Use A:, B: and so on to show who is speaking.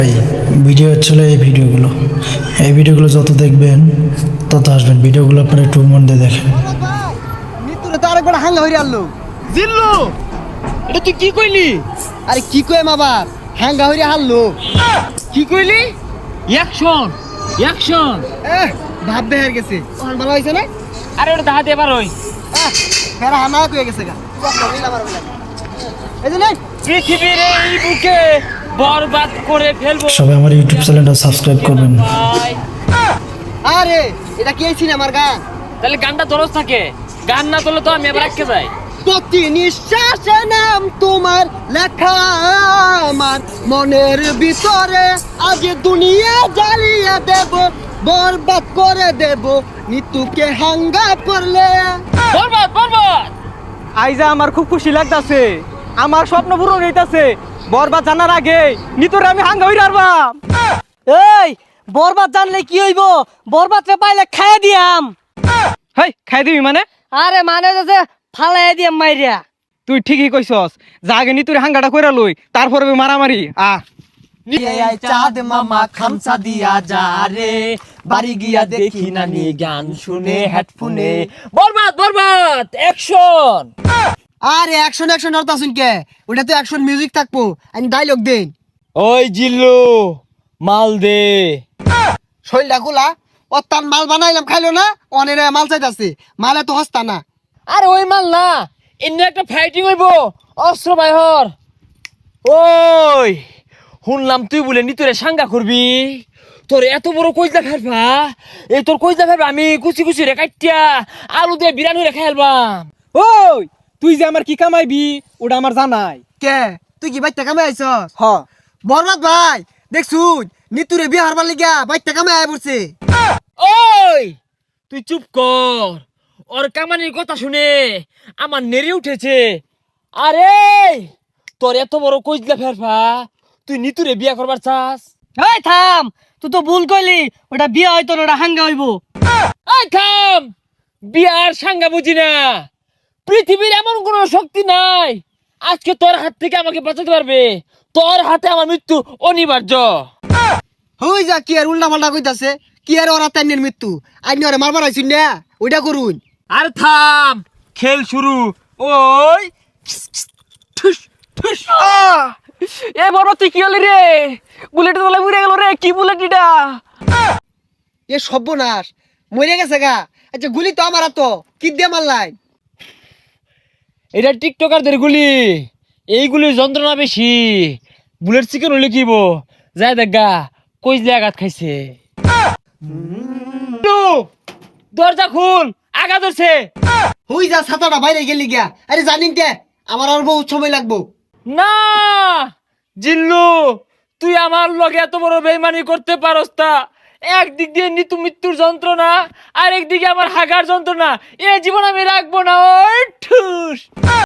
A: Video হচ্ছিল এই ভিডিওগুলো যত দেখবেন তত আসবেন। ভিডিওগুলো আপনারা একটু মন দিয়ে দেখেন।
B: মৃত্যুরে তো আরেকবার হাঙ্গা হইরে আনলো
C: জিল্লু এটা তুই কি কইলি?
B: আরে কি কয় আবার হাঙ্গা হইরে হারলো
C: কি কইলি? Action action.
B: ভাব বেহার গেছে ওখান ভালো হয়েছে না
C: আরে ওটা দাহাতে এবার ওই
B: ফেরা হানা কয়ে গেছে গা এই যে নাই
C: পৃথিবীর এই বুকে বরবাদ করে ফেলবো
A: সবাই আমার ইউটিউব চ্যানেলটা সাবস্ক্রাইব করবেন।
C: ভাই।
B: আরে এটা কি ছিল আমার গান
C: তাহলে গানটা দরজ থাকে, গান না তোলে তো আমি এবার আটকে যাই।
B: প্রতি নিঃশ্বাসে নাম তোমার লেখা আমার মনের ভিতরে আজ দুনিয়া জ্বালিয়ে দেব বরবাদ করে দেব নিতুকে হাঙ্গা করলে
C: বরবাদ বরবাদ।
D: আইজা আমার খুব খুশি লাগতাছে, আমার স্বপ্ন পূরণ হইতাছে। বরবাদ জানার আগে নিতরে আমি হাঙ্গা হইরা আরবাম। এই বরবাদ জানলে কি হইব? বরবাদ রে পাইলে খাইয়া দিয়াম। হেই খাই দিবি মানে? আরে মানে যে ফালাই দিয়াম মাইরিয়া। তুই ঠিকই কইছস, যা আগে নিতুরে হাঙ্গাটা কইরা লই, তারপরে মারামারি।
B: চাঁদ মামা খামসা দিয়া যা রে বাড়ি গিয়া দেখি নানি গান শুনে হেডফোনে
C: বরবাদ বরবাদ অ্যাকশন।
B: আরে অ্যাকশন অ্যাকশন অর্থ শুন কে ওটা তো অ্যাকশন মিউজিক থাকবো আমি ডায়লগ দেন
C: ওই জিল্লু মাল দে।
B: শৈলটা খোলা ও তার মাল বানাইলাম খাইলো না অনেক মাল চাইতাছে মালে তো হস্তা না
C: আরে ওই মাল না, এমনি একটা ফাইটিং হইব অস্ত্র বাইহর। ওই শুনলাম তুই বলে নি তোরে সাঙ্গা করবি, তোর এত বড় কইজা ফেলবা, এই তোর কইজা ফেলবা আমি কুচি কুচি রে কাটিয়া আলু দিয়ে বিরানি রে খাইলবাম।
D: ওই তুই যে আমার কি কামাইবি ওটা আমার জানাই।
B: কে তুই কি বাইতে কামে আইছস
D: হ
B: বরবাদ ভাই দেখছুন নিতুরে বিয়ে হারবার লিগা বাইতে কামে আয় পড়ছে
C: ওই তুই চুপ কর, ওর কামানির কথা শুনে আমার নেড়ে উঠেছে। আরে তোর এত বড় কইজলা ফেরফা, তুই নিতুরে বিয়া করবার চাস?
D: এই থাম, তুই তো ভুল কইলি, ওটা বিয়ে হয়তো না, ওটা হাঙ্গা হইব।
C: এই থাম, বিয়ার সাঙ্গা বুঝি না। পৃথিবীর এমন কোন শক্তি নাই আজকে তোর হাত থেকে আমাকে বাঁচাতে পারবে। তোর হাতে আমার মৃত্যু অনিবার্য।
B: হই যা কি আর উল্টা পাল্টা কইতাছে কি আর ওরা তাইনের মৃত্যু আইনি ওরে মারবার আইছুন না ওইটা করুন
C: আর থাম, খেল শুরু। ওই ঠুস ঠুস।
D: এ বড় তুই কি হলি রে? বুলেট তোলা উড়ে গেল রে, কি বুলেট এটা?
B: এ সর্বনাশ মরে গেছে গা আচ্ছা গুলি তো আমার তো কি দিয়ে মারলাই
C: এটা টিকটকারদের গুলি, এইগুলির যন্ত্রণা বেশি। বুলেট চিকেন হলে কিব যায় দেখা কইজলে আঘাত খাইছে। দরজা খুল, আগা ধরছে।
B: হই যা ছাতাটা বাইরে গেলি গিয়া আরে জানিন কে আমার আর বহুত সময় লাগবো
C: না জিল্লু, তুই আমার লগে এত বড় বেইমানি করতে পারস তা? একদিক দিয়ে নিতু মৃত্যুর যন্ত্রণা আর একদিকে আমার হাগার যন্ত্রণা, এ জীবন আমি রাখবো না। ওই ঠুস।